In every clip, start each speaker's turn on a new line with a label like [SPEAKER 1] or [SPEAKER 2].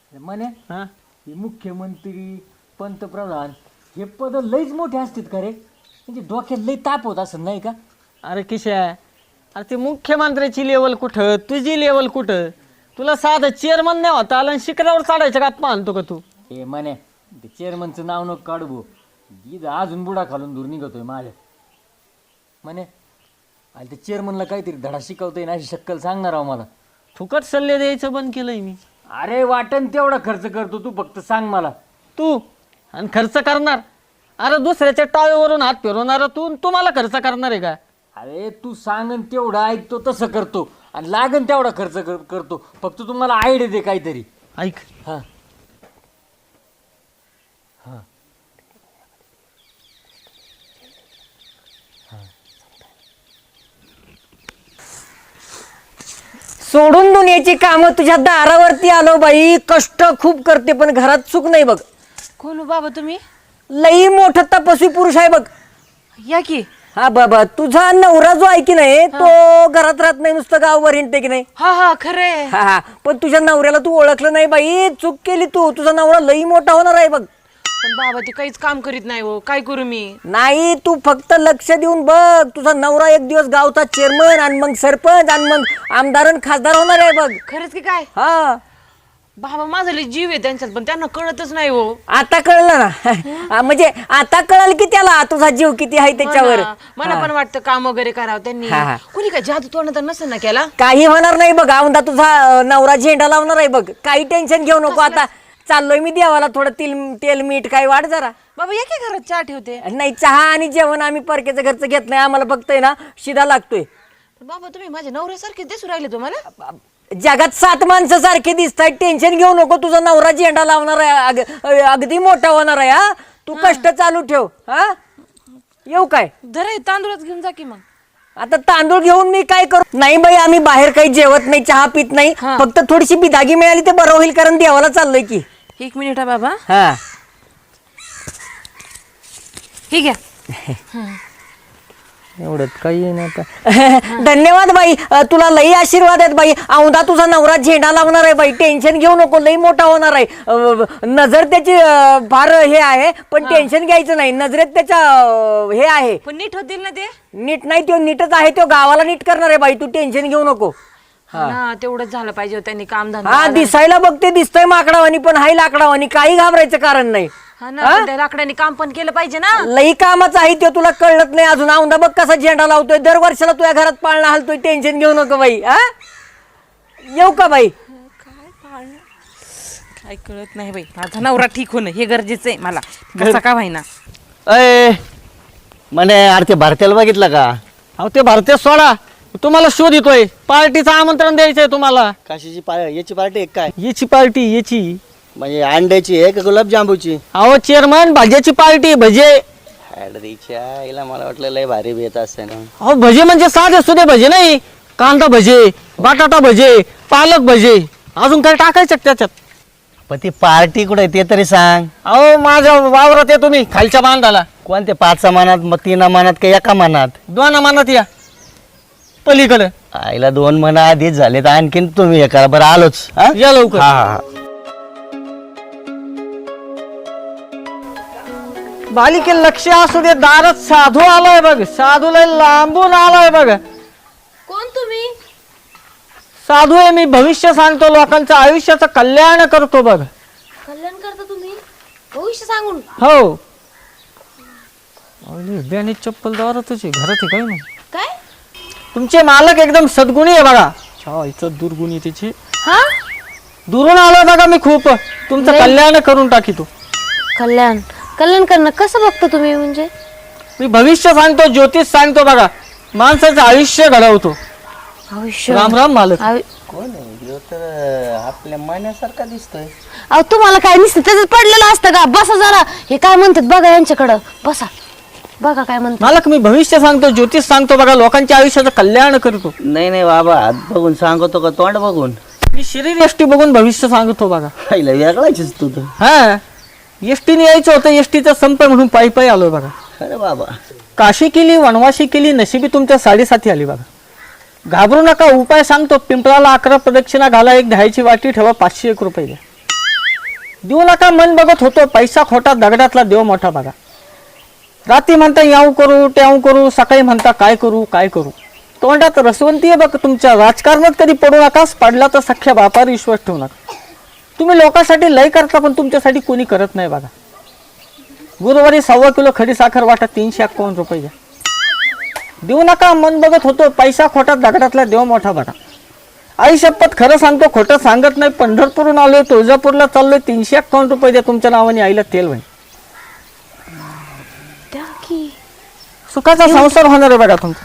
[SPEAKER 1] म्हणे
[SPEAKER 2] हा
[SPEAKER 1] हे मुख्यमंत्री पंतप्रधान हे पद लईच मोठे असतात का रे? म्हणजे डोक्यात लई ताप होत असं नाही का?
[SPEAKER 2] अरे किशा, अरे ते मुख्यमंत्र्याची लेवल कुठं, तुझी लेवल कुठं? तुला साधं चेअरमन नाही होता आलं आणि शिखरावर चढायच्या गात मानतो का तू?
[SPEAKER 1] हे म्हणे ते चेअरमनचं नाव नको काढू भाऊ. अजून बुडा खालून दूर निघतोय माझ्या. म्हणे आणि ते चेअरमनला काहीतरी धडा शिकवतोय ना अशी शक्कल सांगणार आहो मला.
[SPEAKER 2] फुकट सल्ले द्यायचं बंद केलंय मी.
[SPEAKER 1] अरे वाटण तेवढा खर्च करतो तू, फक्त सांग मला.
[SPEAKER 2] तू आणि खर्च करणार? अरे दुसऱ्याच्या टाळीवरून हात फिरवणार तू, तुम्हाला खर्च करणार आहे का?
[SPEAKER 1] अरे तू सांगन तेवढं ऐकतो तसं करतो आणि लागन तेवढा खर्च करतो. फक्त तुम्हाला आयडिया दे काहीतरी.
[SPEAKER 2] ऐक,
[SPEAKER 1] हां हां
[SPEAKER 3] सोडून दुनियाची कामं तुझ्या दारावरती आलो बाई. कष्ट खूप करते पण घरात चूक नाही बघ.
[SPEAKER 4] कोण हो बाबा तुम्ही?
[SPEAKER 3] लई मोठा तपस्वी पुरुष आहे बघ.
[SPEAKER 4] या की.
[SPEAKER 3] हा बाबा, तुझा नवरा जो आहे की नाही तो घरात राहत नाही, नुसतं गावभर हिंडते की नाही.
[SPEAKER 4] हा हा खरंय.
[SPEAKER 3] हा हा, पण तुझ्या नवऱ्याला तू ओळखलं नाही बाई. चूक केली तू. तुझा नवरा लई मोठा होणार आहे बघ.
[SPEAKER 4] पण बाबा ते काहीच काम करीत नाही हो, काय करू मी?
[SPEAKER 3] नाही, तू फक्त लक्ष देऊन बघ. तुझा नवरा एक दिवस गावचा चेअरमन आणि मग सरपंच आणि मग आमदार आणि खासदार होणार आहे बघ.
[SPEAKER 4] खरंच की काय?
[SPEAKER 3] हा,
[SPEAKER 4] बाबा माझा लय जीव आहे त्यांच्यात, पण त्यांना कळतच नाही हो.
[SPEAKER 3] आता कळलं ना. म्हणजे आता कळलं की त्याला तुझा जीव किती आहे त्याच्यावर.
[SPEAKER 4] मला पण वाटतं काम वगैरे करावं त्यांनी.
[SPEAKER 3] हा, हा.
[SPEAKER 4] कुणी काय जादू तोंड तर नसेल ना केला?
[SPEAKER 3] काही होणार नाही बघ. औंधा तुझा नवरा झेंडा लावणार आहे बघ. काही टेन्शन घेऊ नको. आता चाललोय मी देवाला थोडं तेल मीठ काही वाढ जरा.
[SPEAKER 4] बाबा या की घरात चहा ठेवते.
[SPEAKER 3] नाही, चहा आणि जेवण आम्ही परकेचं घरचं घेत नाही. आम्हाला फक्त आहे ना शिदा लागतोय.
[SPEAKER 4] पण बाबा तुम्ही माझ्या नवऱ्यासारखे दिसू राहिले तुम्हाला.
[SPEAKER 3] जगात 7 माणसं सारखे दिसतायत. टेन्शन घेऊ नको. तुझा नवरा झेंडा लावणार आहे. अगदी मोठा होणार आहे. हा, तू कष्ट चालू ठेव. हा, येऊ काय?
[SPEAKER 4] धरा हे तांदूळच घेऊन जा की मग.
[SPEAKER 3] आता तांदूळ घेऊन मी काय करू? नाही बाई, आम्ही बाहेर काही जेवत नाही, चहा पित नाही. फक्त थोडीशी बिदागी मिळाली ते बरं होईल, कारण देवाला चाललोय की.
[SPEAKER 4] 1 मिनिट बाबा.
[SPEAKER 3] हा,
[SPEAKER 4] हे घ्या.
[SPEAKER 3] एवढंच काही नाही आता. धन्यवाद बाई, तुला लई आशीर्वाद आहेत बाई. औंधा तुझा नवरा झेंडा लावणार आहे बाई. टेन्शन घेऊ नको. लई मोठा होणार आहे. नजर त्याची फार हे आहे, पण टेन्शन घ्यायचं नाही. नजरेत त्याच्या हे आहे.
[SPEAKER 4] पण नीट होतील ना ते?
[SPEAKER 3] नीट नाही, तो नीटच आहे. तो गावाला नीट करणार आहे बाई. तू टेन्शन घेऊ नको.
[SPEAKER 4] हा तेवढंच झालं पाहिजे हो, त्यांनी काम धंदा.
[SPEAKER 3] हा, दिसायला बघते दिसतोय माकडावानी, पण हाय लाकडावानी. काही घाबरायचं कारण नाही.
[SPEAKER 4] हा ना, पण त्या लाकडाने काम पण केलं पाहिजे ना.
[SPEAKER 3] लई कामाच आहे ते, तुला कळत नाही अजून. औंधा बघ कसा झेंडा लावतोय. दर वर्षाला तुझ्या घरात पाळणा हलतोय. टेन्शन घेऊ नको बाई. हा, येऊ का बाई?
[SPEAKER 4] काय कळत नाही बाई. माझा नवरा ठीक होणं हे गरजेचं आहे मला, कसा का व्हायना.
[SPEAKER 5] अय म्हणे, अरे ते भारतीयाला बघितलं का?
[SPEAKER 2] अहो ते भारतीय सोडा, तुम्हाला शोध येतोय. पार्टीचं आमंत्रण द्यायचंय तुम्हाला.
[SPEAKER 5] काशीची याची पार्टी आहे काय?
[SPEAKER 2] याची पार्टी याची
[SPEAKER 5] म्हणजे अंड्याची आहे का गुलाबजांबूची?
[SPEAKER 2] अहो चेअरमन, भाज्याची पार्टी. भजे.
[SPEAKER 5] हॅडरीच्या हिला मला वाटलं लय भारी बेत असते ना.
[SPEAKER 2] अहो भजे म्हणजे साधे सुधे भजे नाही. कांदा भजे, बटाटा भजे, पालक भजे, अजून काय टाकायचं त्याच्यात?
[SPEAKER 5] पण ती पार्टी कुठे ते तरी सांग.
[SPEAKER 2] अहो माझ्या वावरात आहे तुम्ही, खालच्या बांधाला.
[SPEAKER 5] कोणते 5 मानात, मग 3 मानात का 1 मानात?
[SPEAKER 2] 2 मानात या पलीकडे.
[SPEAKER 5] आईला 2 मना आधीच झाले तर आणखीन तुम्ही हे करा बरं. आलोच. हा?
[SPEAKER 2] या लवकर.
[SPEAKER 5] हा.
[SPEAKER 2] बालिके लक्ष असू दे. दारात साधू आलाय बघ. साधू लय लांबून आलाय बघ.
[SPEAKER 4] कोण तुम्ही?
[SPEAKER 2] साधू आहे मी. भविष्य सांगतो. लोकांचं आयुष्याचं कल्याण करतो बघ.
[SPEAKER 4] कल्याण करता तुम्ही? भविष्य सांगून?
[SPEAKER 2] हो. बियाणे चप्पल दारातच घरात आहे काय नाही.
[SPEAKER 4] काय?
[SPEAKER 2] तुमचे मालक एकदम सद्गुणी आहे बघा. इथं दुर्गुणी तिची.
[SPEAKER 4] हा,
[SPEAKER 2] दुरून आलोय बघा मी खूप. तुमचं कल्याण करून टाकीतो.
[SPEAKER 6] कल्याण कल्याण करणं कसं बघतो तुम्ही? म्हणजे
[SPEAKER 2] मी भविष्य सांगतो, ज्योतिष सांगतो बघा. माणसाचं आयुष्य घडवतो.
[SPEAKER 6] भविष्य?
[SPEAKER 2] राम राम मालक.
[SPEAKER 5] कोण आहे? तर आपल्या मनासारखा दिसतोय.
[SPEAKER 6] अहो तुम्हाला काय नुसतं त्याच्यात पडलेलं असतं का? बसा जरा. हे काय म्हणतात बघा यांच्याकडं. बसा, बघा काय म्हणतात.
[SPEAKER 2] मालक मी भविष्य सांगतो, ज्योतिष सांगतो बघा. लोकांच्या आयुष्याचं कल्याण करतो.
[SPEAKER 5] नाही बाबा, हात बघून सांगतो का तोंड बघून?
[SPEAKER 2] मी शरीर यष्टी बघून भविष्य सांगतो बघा.
[SPEAKER 5] आईला वेगळाच तू तर.
[SPEAKER 2] हा, एसटीने यायचं होतं. एसटीचा संप म्हणून पायी आलोय बघा.
[SPEAKER 5] अरे बाबा,
[SPEAKER 2] काशी केली, वनवाशी केली, नशिबी तुमच्या साडेसाती आली बघा. घाबरू नका, उपाय सांगतो. पिंपळाला 11 प्रदक्षिणा घाला, एक 10ची वाटी ठेवा, 501 रुपये द्या. देऊ नका मन बघत होतो, पैसा खोटा दगडातला देव मोठा बघा. रात्री म्हणता याऊ करू त्याऊ करू, सकाळी म्हणता काय करू काय करू. तोंडात रसवंती आहे बघ तुमच्या. राजकारणात कधी पडू नकास, पडला तर सख्या बापावर विश्वास ठेवू नका. तुम्ही लोकांसाठी लय करता पण तुमच्यासाठी कोणी करत नाही बघा. गुरुवारी 1.25 किलो खडी साखर वाटा 351 रुपये घ्या. देऊ नका मन बघत होतो, पैसा खोटा दगडातला देव मोठा बघा. आई शपथ खरं सांगतो, खोटं सांगत नाही. पंढरपूरहून आलोय, तुळजापूरला चाललोय. 351 रुपये द्या तुमच्या नावाने आईला तेल होईल.
[SPEAKER 6] द्या की.
[SPEAKER 2] सुखाचा संसार होणार आहे बघा तुमचा.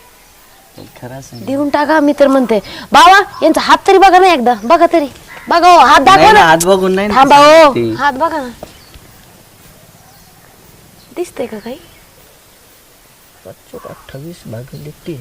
[SPEAKER 6] देऊन टाका. मी तर म्हणते बाबा यांचा हात तरी बघा ना एकदा. बघा तरी बघा हो, हात दाखवा ना.
[SPEAKER 5] हात बघून नाही
[SPEAKER 6] थांबा हो, हात बघा ना. दिसतंय का काही?
[SPEAKER 5] 28/3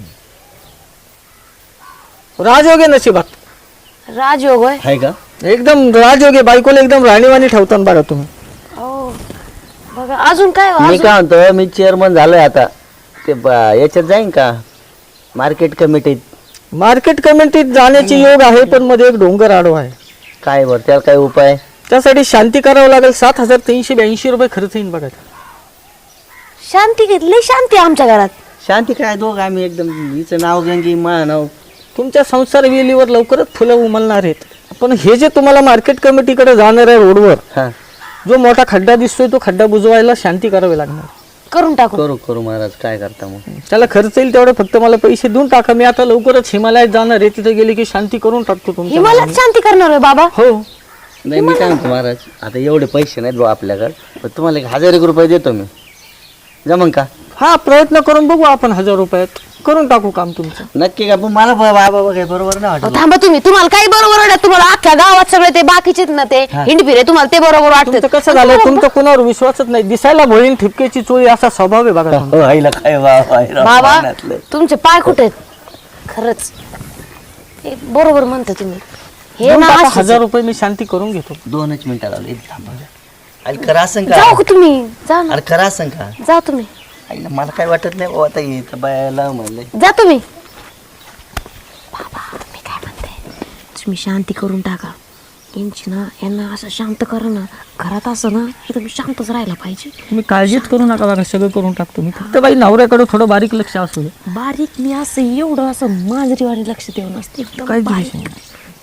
[SPEAKER 2] राजयोगे नशिबात
[SPEAKER 6] राजयोग होय.
[SPEAKER 5] आहे का?
[SPEAKER 2] एकदम राजयोगे. बायकोला एकदम राणीवाणी ठेवता बघा तुम्ही.
[SPEAKER 6] हो बघा. अजून काय हो?
[SPEAKER 5] मी
[SPEAKER 6] अजून?
[SPEAKER 5] काय म्हणतो, मी चेअरमन झालोय आता. ते याच्यात जाईन का मार्केट कमिटीत?
[SPEAKER 2] मार्केट कमिटीत जाण्याची योग आहे, पण मध्ये एक डोंगर आडवा आहे.
[SPEAKER 5] काय बरं त्याला काय उपाय?
[SPEAKER 2] त्यासाठी शांती करावं लागेल. 7,382 रुपये खर्च येईल बघा.
[SPEAKER 6] शांती घेतली. शांती आमच्या घरात.
[SPEAKER 5] शांती काय दोघ आम्ही एकदम. हिचं नाव गंगी, मा नाव.
[SPEAKER 2] तुमच्या संसार वेलीवर लवकरच फुलं उमलणार आहेत. पण हे जे तुम्हाला मार्केट कमिटीकडे जाणार आहे रोडवर,
[SPEAKER 5] हा
[SPEAKER 2] जो मोठा खड्डा दिसतोय तो खड्डा बुजवायला शांती करावी लागणार.
[SPEAKER 6] करून टाकू.
[SPEAKER 5] करू करू महाराज, काय करता मग?
[SPEAKER 2] त्याला खर्च येईल तेवढे फक्त मला पैसे देऊन टाका. मी आता लवकरच हिमालयात जाणार आहे. तिथे गेले की शांती करून टाकतो तुमच्या
[SPEAKER 6] हिमालयात
[SPEAKER 2] नावाने.
[SPEAKER 6] शांती करणार आहे बाबा.
[SPEAKER 2] हो.
[SPEAKER 5] नाही मी काय म्हणतो महाराज, आता एवढे पैसे नाहीत भाऊ आपल्याकडे, पण तुम्हाला 1000 रुपये देतो मी. जमन का?
[SPEAKER 2] हा प्रयत्न करून बघू आपण. 1000 रुपयात करून टाकू काम तुमचं.
[SPEAKER 5] नक्की का? पण मला बाबा काय बरोबर नाही
[SPEAKER 6] अहो,
[SPEAKER 5] वाटत.
[SPEAKER 6] थांबा तुम्ही. तुम्हाला काही बरोबर वाटत? तुम्हाला अख्ख्या गावात सगळे ते बाकीचे ना ते हिंडपिरे तुम्हाला ते बरोबर
[SPEAKER 2] तुमचं
[SPEAKER 6] वाटतं.
[SPEAKER 2] कसं झालं, तुमचं कोणावर विश्वासच नाही. दिसायला भोळीन ठिपकेची चोळी असा स्वभाव आहे बघा तुमचा.
[SPEAKER 5] हो, आईला काय
[SPEAKER 6] बाबा तुमचे पाय कुठे आहेत? खरंच हे बरोबर म्हणता तुम्ही. हे
[SPEAKER 2] देऊन
[SPEAKER 6] ना
[SPEAKER 2] टाका.
[SPEAKER 6] अशीच.
[SPEAKER 2] 1000 रुपये मी शांती करून घेतो.
[SPEAKER 5] 2 मिनिटं लागले. थांबा. अरे खरं असं का?
[SPEAKER 6] जाऊ का तुम्ही? जा ना.
[SPEAKER 5] अरे खरं असं का?
[SPEAKER 6] जा तुम्ही.
[SPEAKER 5] आईला मला काय वाटत नाही भाऊ, आता येतं बायाला म्हणलंय.
[SPEAKER 6] जा तुम्ही. बाबा मी काय म्हणते, तुम्ही शांती करून टाका. यांची ना यांना असं शांत करा ना. घरात असं ना एकदम शांतच राहायला पाहिजे.
[SPEAKER 2] तुम्ही काळजीच करू नका बघा, सगळं करून टाकतो मी. फक्त बाई नवऱ्याकडे थोडं बारीक लक्ष असू दे.
[SPEAKER 6] बारीक मी असं एवढं असं मांजरीवाणी लक्ष देऊन असते एकदम
[SPEAKER 2] काहीच
[SPEAKER 6] बारीक.
[SPEAKER 2] विषय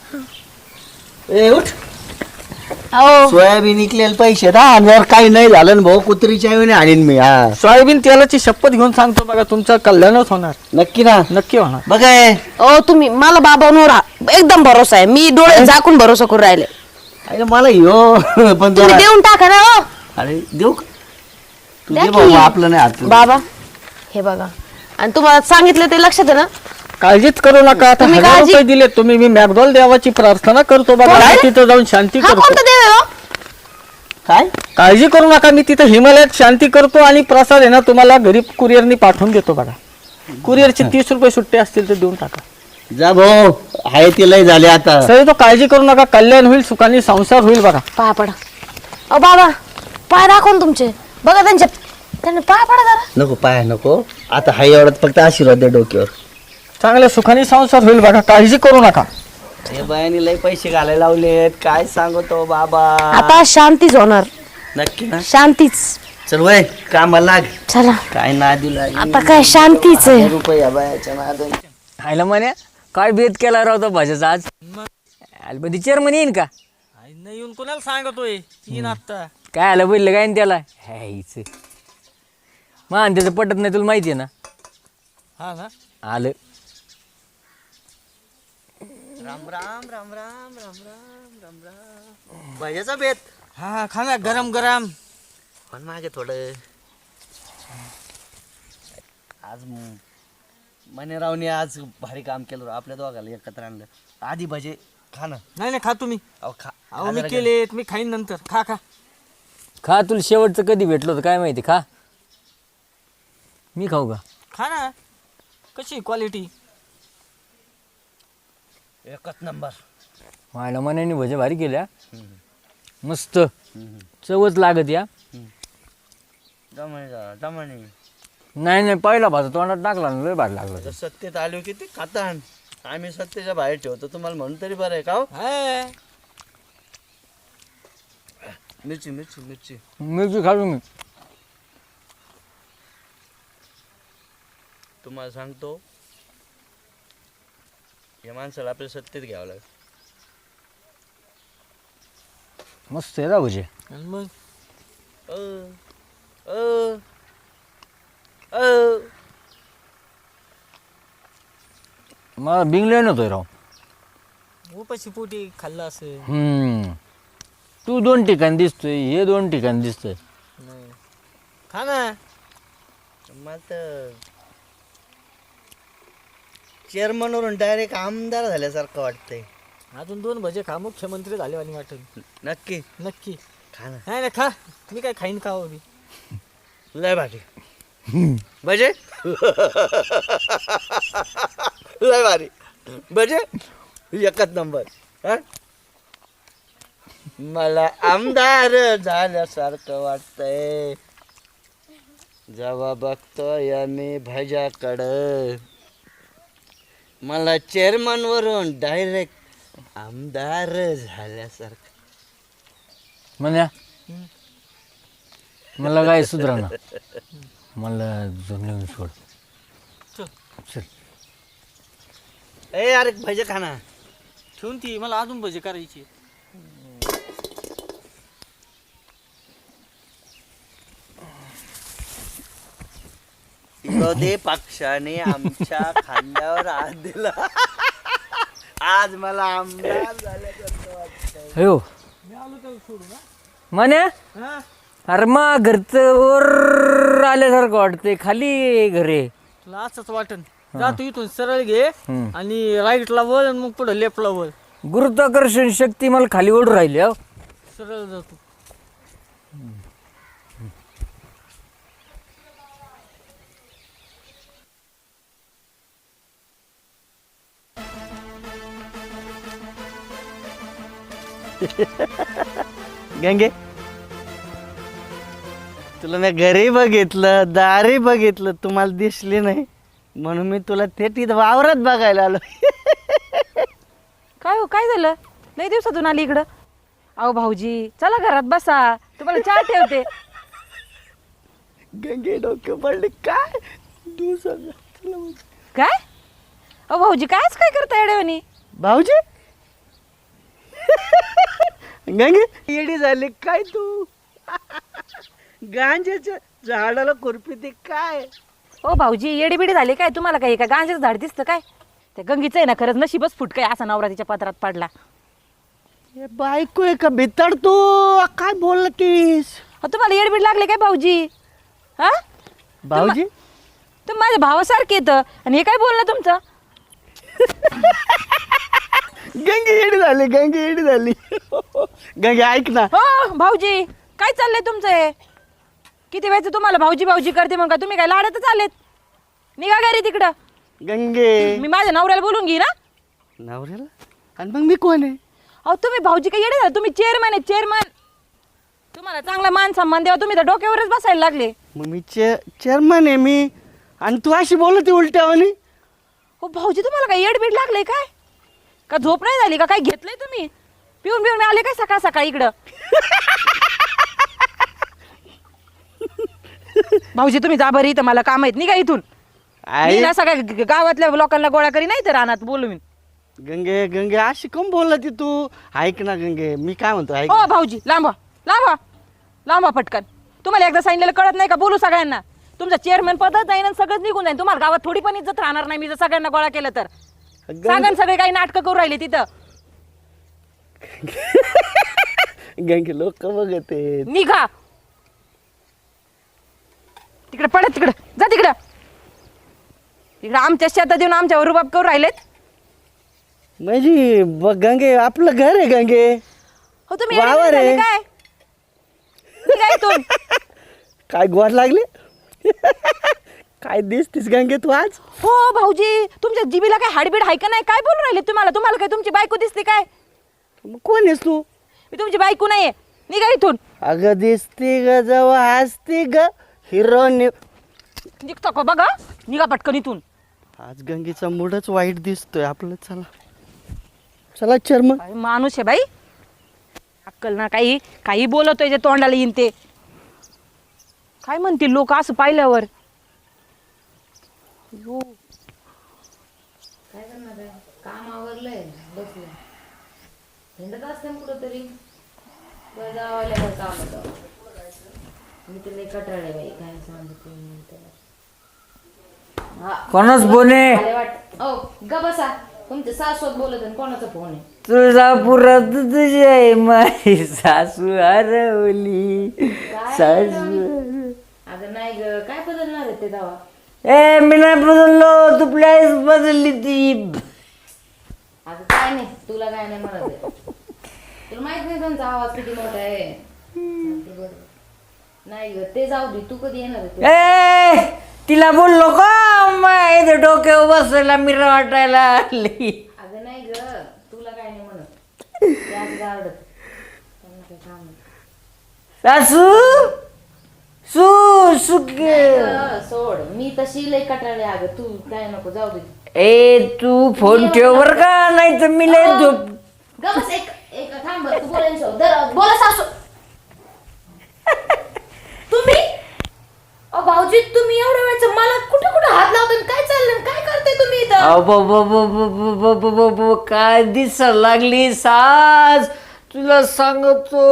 [SPEAKER 5] ए उठ.
[SPEAKER 6] अहो
[SPEAKER 5] सोयाबीन निघलेले पैसे दा, आणि जर काही नाही झालं ना भाऊ, कुत्रीच्या आईने आणीन मी. हा
[SPEAKER 2] सोयाबीन तेलाची शपथ घेऊन सांगतो बघा, तुमचं कल्याणच होणार.
[SPEAKER 5] नक्की ना?
[SPEAKER 2] नक्की होणार.
[SPEAKER 5] बघाय
[SPEAKER 6] अहो तुम्ही मला बाबांवर एकदम भरोसा आहे. मी डोळे झाकून भरोसा करून राहिले.
[SPEAKER 5] अरे मला यो पण
[SPEAKER 6] तुम्ही
[SPEAKER 5] जरा-
[SPEAKER 6] देऊन टाका ना. हो
[SPEAKER 5] अरे देऊ का? तू
[SPEAKER 6] द्या
[SPEAKER 5] दे
[SPEAKER 6] की.
[SPEAKER 5] भाऊ, आपलं नाही हात.
[SPEAKER 6] बाबा हे बघा. आणि तुम्हाला सांगितलं ते लक्षात आहे ना?
[SPEAKER 2] काळजीच करू नका. आता
[SPEAKER 6] तुम्ही
[SPEAKER 2] 1000
[SPEAKER 6] काळजी-
[SPEAKER 2] रुपये दिले तुम्ही. मी मॅकडॉल देवाची प्रार्थना करतो बघा.
[SPEAKER 6] काय?
[SPEAKER 2] मी तिथं जाऊन शांती
[SPEAKER 6] हा
[SPEAKER 2] करतो.
[SPEAKER 6] कोणता देव आहे हो?
[SPEAKER 5] काय?
[SPEAKER 2] काळजी करू नका. मी तिथं हिमालयात शांती करतो आणि प्रसाद आहे ना तुम्हाला घरी कुरिअरनी पाठवून देतो बघा. कुरिअरचे 30 रुपये सुट्टे असतील तर देऊन टाका.
[SPEAKER 5] जा भाऊ, आहे ते लय झाले आता.
[SPEAKER 2] सर तो काळजी करू नका. कल्याण होईल, सुखाने संसार होईल बघा.
[SPEAKER 6] पाया पडा. अहो बाबा पाय दाखवून तुमचे बघा. त्यांनी पाय पडा जरा.
[SPEAKER 5] नको पाय नको. आता हाय एवढ्यात फक्त आशीर्वाद दे डोक्यावर.
[SPEAKER 2] चांगल्या सुखाने संसार होईल बघा. काळजी करू नका.
[SPEAKER 5] हे बायाने लय पैसे घालायला लावलेत, काय सांगतो बाबा.
[SPEAKER 6] आता शांतीच होणार.
[SPEAKER 5] नक्की ना?
[SPEAKER 6] शांतीच.
[SPEAKER 5] चल वय कामाला लाग.
[SPEAKER 6] चला
[SPEAKER 5] काय ना दिला
[SPEAKER 6] आता काय शांतीच आहे.
[SPEAKER 5] रुपये या बायाच्या नादाने.
[SPEAKER 1] खायला म्हणे काय भेद केला राहतो भाज्याचा आज. मध्ये चेअरमन येईन का?
[SPEAKER 2] नाही येऊन कोणाला सांगतोय तीन आता.
[SPEAKER 1] काय आलं बोललं काय न त्याला ह्याच मान त्याचं पटत नाही तुला माहिती आहे ना.
[SPEAKER 2] हा ना.
[SPEAKER 1] आलं
[SPEAKER 5] राम राम राम राम राम राम राम राम. बायाचा बेत
[SPEAKER 2] हा खा ना गरम गरम.
[SPEAKER 5] पण मागे थोडं. आज मनेरावने आज भारी काम केलं राव. आपल्या दोघाला एकत्र आणलं. आधी भजे खा ना.
[SPEAKER 2] नाही नाही खा तुम्ही.
[SPEAKER 5] अहो खा.
[SPEAKER 2] अहो मी केलेत, मी खाईन नंतर. खा खा.
[SPEAKER 1] खा. तुला शेवटचं कधी भेटलं होतं काय माहिती. खा. मी खाऊ का?
[SPEAKER 2] खा ना. कशी क्वालिटी?
[SPEAKER 5] एकच नंबर.
[SPEAKER 1] व्हायला मनाने भजे भारी केल्या. मस्त चवच लागत या.
[SPEAKER 5] जमाने
[SPEAKER 1] नाही नाही पहिला भाजा तोंडात टाकला ना लय भारी लागला.
[SPEAKER 5] सत्तेत आलो की ते खातान. आम्ही सत्तेच्या बाहेर ठेवतो तुम्हाला म्हणून तरी बरं आहे का हो? मिरची मिरची मिरची
[SPEAKER 1] मिरची खातो मी.
[SPEAKER 5] तुम्हाला सांगतो या माणसाला आपल्या सत्तेत घ्यावं लागेल.
[SPEAKER 1] मस्त आहे राहूचे.
[SPEAKER 2] आणि मग
[SPEAKER 5] अ, अ, अ.
[SPEAKER 1] मला बिंगले नव्हतोय राव.
[SPEAKER 2] उपाशी पोटी खाल्लं असेल.
[SPEAKER 1] तू 2 ठिकाणी दिसतोय, हे 2 ठिकाणी दिसतोय.
[SPEAKER 2] नाही खा ना.
[SPEAKER 5] मला तर चेअरमनवरून डायरेक्ट आमदार झाल्यासारखं वाटतंय.
[SPEAKER 2] अजून 2 भजे खा, मुख्यमंत्री झाले आणि वाटेल.
[SPEAKER 5] नक्की
[SPEAKER 2] नक्की.
[SPEAKER 5] खा ना.
[SPEAKER 2] नाही नाही खा, मी काय खाईन खावं मी.
[SPEAKER 5] लय भारी भजे लय भारी भजे एकच नंबर. हा? मला आमदार झाल्यासारखं वाटतंय जेव्हा बघतोय मी भजाकडं. मला चेअरमन वरून डायरेक्ट आमदार झाल्यासारखं.
[SPEAKER 1] म्हणा मला काय सुधरा मला जमलं सोड.
[SPEAKER 2] चल.
[SPEAKER 1] चल.
[SPEAKER 5] ए अरे भजे खा ना.
[SPEAKER 2] ठेवून ती मला अजून भजे करायची.
[SPEAKER 5] विरोधी पक्षाने आमच्या खांद्यावर हात दिला. आज मला आमदार झाल्यासारखं वाटतंय.
[SPEAKER 1] हो म्हणे
[SPEAKER 2] हा
[SPEAKER 1] अरे मग घरचं वर आल्यासारखं वाटतंय, खाली घरे.
[SPEAKER 2] तुला असंच वाटन. जा तू इथून सरळ घे आणि राईटला वळ आणि मग पुढे लेफ्टला वळ.
[SPEAKER 1] गुरुत्वाकर्षण शक्ती मला खाली ओढून राहिली. हो
[SPEAKER 2] सरळ जातो.
[SPEAKER 5] गंगे तुला मी घरी बघितलं, दारी बघितलं, तुम्हाला दिसली नाही म्हणून मी तुला थेट इथं वावरात बघायला आलो.
[SPEAKER 4] काय हो, काय झालं? लई दिवसातून आली इकडं. अहो भाऊजी चला घरात बसा, तुम्हाला चहा ठेवते.
[SPEAKER 5] गंगे डोके पडले काय दिवसाला.
[SPEAKER 4] काय अहो भाऊजी कायच काय करता येड्यावानी?
[SPEAKER 5] भाऊजी गंगे येडी झाली काय तू? गांजाच्या झाडाला खुरपी ते काय?
[SPEAKER 4] ओ भाऊजी येडीबिडी झाली काय? तुम्हाला काही का गांजाचं झाड दिसतं काय? त्या गंगीचं आहे ना खरंच नशीबच फुट काय असा नवरा तिच्या पदरात पडला.
[SPEAKER 5] हे बायको आहे का भितर तू? काय बोलतीस?
[SPEAKER 4] तुम्हाला येडबीड लागले काय भाऊजी? हा
[SPEAKER 5] भाऊजी
[SPEAKER 4] तुम्ही माझ्या भावासारखे येत आणि हे काय बोलणं तुमचं?
[SPEAKER 5] गंगे येडी झाली, गंगे येडी झाली. गंगे ऐक ना.
[SPEAKER 4] हो भाऊजी काय चाललंय तुमचं हे? किती वेळचं तुम्हाला भाऊजी भाऊजी करते मग का तुम्ही काय लाडतच आलेत? निघा घरी तिकडं.
[SPEAKER 5] गंगे
[SPEAKER 4] मी माझ्या नवऱ्याला बोलून घे ना.
[SPEAKER 5] नवऱ्याला? आणि मग मी कोण आहे?
[SPEAKER 4] अहो तुम्ही भाऊजी काय येडे झाले? तुम्ही चेअरमॅन आहे चेअरमॅन. तुम्हाला चांगला मान सन्मान द्यावा तुम्ही तर डोक्यावरच बसायला लागले.
[SPEAKER 5] मग मी चेअरमन आहे मी आणि तू अशी बोलते उलट्यावानी.
[SPEAKER 4] हो भाऊजी तुम्हाला काय येडबीड लागले काय? का झोप नाही झाली का? काय घेतलंय तुम्ही? पिऊन पिऊन आले काय सकाळ सकाळी इकडं? भाऊजी तुम्ही जा बरं, इथं मला काम आहेत. निघा इथून. मी ना सगळ्या गावातल्या लोकांना गोळा करी नाही तर रानात बोलवीन.
[SPEAKER 5] गंगे गंगे अशी कम बोलती तू? ऐक ना गंगे मी काय म्हणतो ऐक.
[SPEAKER 4] हो भाऊजी लांबा लांबा लांबा पटकन. तुम्हाला एकदा सांगितलेलं कळत नाही का? बोलू सगळ्यांना. तुमचं चेअरमॅन पदच जाईन आणि सगळंच निघून जाईन. तुम्हाला गावात थोडी पण इज्जत राहणार नाही मी जर सगळ्यांना गोळा केलं तर. सांगा सगळे काही नाटकं करू राहिले तिथं.
[SPEAKER 5] गंगे लोक बघते.
[SPEAKER 4] निघा तिकडे, पडत तिकडे, जा तिकडं. तिकडे आमच्या शेतात येऊन आमच्यावर रुबाब करू राहिलेत.
[SPEAKER 5] म्हणजे गंगे आपलं घर आहे गंगे.
[SPEAKER 4] हो तुम्ही
[SPEAKER 5] वावर आहे.
[SPEAKER 4] येडे झाले काय? निघा इथून.
[SPEAKER 5] काय गोड लागले? काय दिसतीस गंगे तू आज?
[SPEAKER 4] हो भाऊजी तुमच्या जिबीला काय हाडबीड आहे का नाही? काय बोलून राहिले तुम्हाला? तुम्हाला काय तुमची बायको दिसते काय?
[SPEAKER 5] मग कोण आहेस तू?
[SPEAKER 4] मी तुमची बायको नाहीये. निघा इथून.
[SPEAKER 5] अगं दिसती ग जवळ हसती ग हिरो.
[SPEAKER 4] निघतो का बघा. निघा पटकन इथून.
[SPEAKER 5] आज गंगेचा मूडच वाईट दिसतोय आपलं. चला चला चर्म.
[SPEAKER 4] काय माणूस आहे बाई. अक्कल ना काही काही बोलतोय जे तोंडाला येईन ते. काय म्हणतील लोक असं पाहिल्यावर.
[SPEAKER 6] काय करणार आहे? काम आवरलंय बसलं हिंडत असते कुठंतरी बरं जावं काम होतं. मी तुला कटाळे बाई काय सांगते
[SPEAKER 3] कोणाच फोन आहे?
[SPEAKER 6] मला वाटत ओ ग बसा तुमच्या सासूत बोलत आहे कोणाचा फोन आहे?
[SPEAKER 3] तुळजापुरात तुझी आहे माझी सासू हरवली सासू.
[SPEAKER 6] अगं नाही ग काय बदलणार आहे ते दावा?
[SPEAKER 3] ए मी नाही बदललो तू प्लेस बदलली ती.
[SPEAKER 6] अगं काय नाही तुला काय नाही म्हणत आहे. तुला माहित नाही त्यांचा आवाज किती मोठा आहे. नाही ग ते जाऊ दे तू कधी येणार आहे?
[SPEAKER 3] ए तिला बोललो का माहिती डोक्यावर बसायला मिरा वाटायला आली.
[SPEAKER 6] अगं नाही ग तुला काय नाही म्हणत. ते आज गारडत त्यांना काही काम नाही.
[SPEAKER 3] सासू सू सुके.
[SPEAKER 6] सोड मी तशी लय कटाळले. अगं तू काय नको जाऊ दे.
[SPEAKER 3] ए तू फोन ठेव बर का नाही तर मी लय झोप.
[SPEAKER 6] ग बस एक एक थांब बरं, तू बोलायला बोला सासू. तुम्ही भाऊजी तुम्ही एवढ्या वेळचं मला कुठे कुठे हात लावता काय चाललं काय करते तुम्ही इथं?
[SPEAKER 3] काय दिसायला लागली सास तुला सांगतो.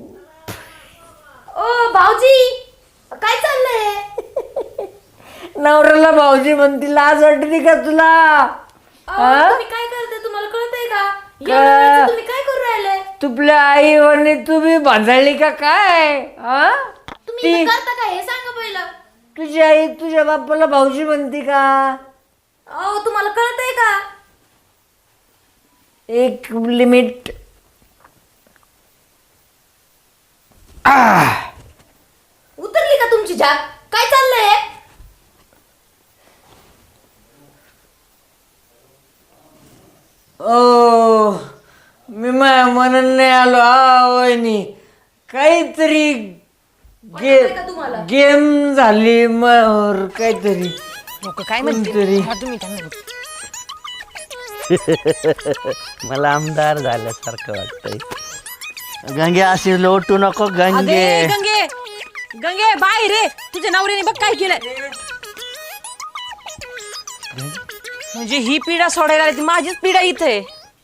[SPEAKER 6] ओ भाऊजी काय चाललंय?
[SPEAKER 3] नवऱ्याला भाऊजी म्हणती लाज वाटते का तुला?
[SPEAKER 6] तुम्ही काय करते तुम्हाला कळतंय का? एवढ्या वेळचं तुम्ही काय करू राहिले?
[SPEAKER 3] तुपल्या आई म्हणे तुम्ही बांधली का काय?
[SPEAKER 6] तुम्ही इथं करता काय हे सांगा पहिलं.
[SPEAKER 3] तुझी आई तुझ्या बापाला भाऊजी म्हणते का?
[SPEAKER 6] अहो तुम्हाला कळतंय का?
[SPEAKER 3] एक लिमिट.
[SPEAKER 6] उतरली का तुमची जाग? काय चाललंय?
[SPEAKER 3] ओ मी माझ्या मनात नाही आलो वहिनी काहीतरी
[SPEAKER 6] वाटतंय का तुम्हाला?
[SPEAKER 3] गेम झाली मग काहीतरी
[SPEAKER 4] लोक काय म्हणतील
[SPEAKER 3] कोणतरी.
[SPEAKER 4] हा, तुम्ही त्यांना
[SPEAKER 5] मला आमदार झाल्यासारखं वाटतंय. गंगे अशी लोटू नको गंगे.
[SPEAKER 4] अगे गंगे गंगे बाय रे तुझ्या नवऱ्याने बघ काय केलंय. म्हणजे ही पिढा सोडायला आली ती माझीच पिढा इथे.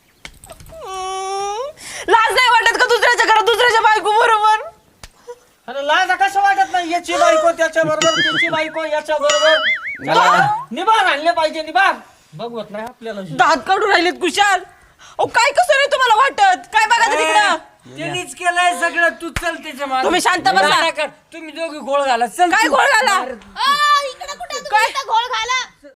[SPEAKER 4] लाज नाही वाटत का दुसऱ्याच्या घरात दुसऱ्याच्या बायको बरोबर?
[SPEAKER 2] अरे लाज कसं वाटत नाही? याची बायको त्याच्या बरोबर त्याची बायको याच्या बरोबर निभार आणले पाहिजे. निभार बघवत नाही आपल्याला.
[SPEAKER 4] दात काढून राहिलेत कुशाल. ओ काय कसं नाही तुम्हाला वाटत? काय बघा तिकडं.
[SPEAKER 3] त्यांनीच केलंय सगळं तू चल त्याच्या मागे.
[SPEAKER 4] तुम्ही शांत बसा.
[SPEAKER 3] तुम्ही दोघी गोळ घाला चल
[SPEAKER 4] काय
[SPEAKER 3] तू.
[SPEAKER 4] गोळ घाला?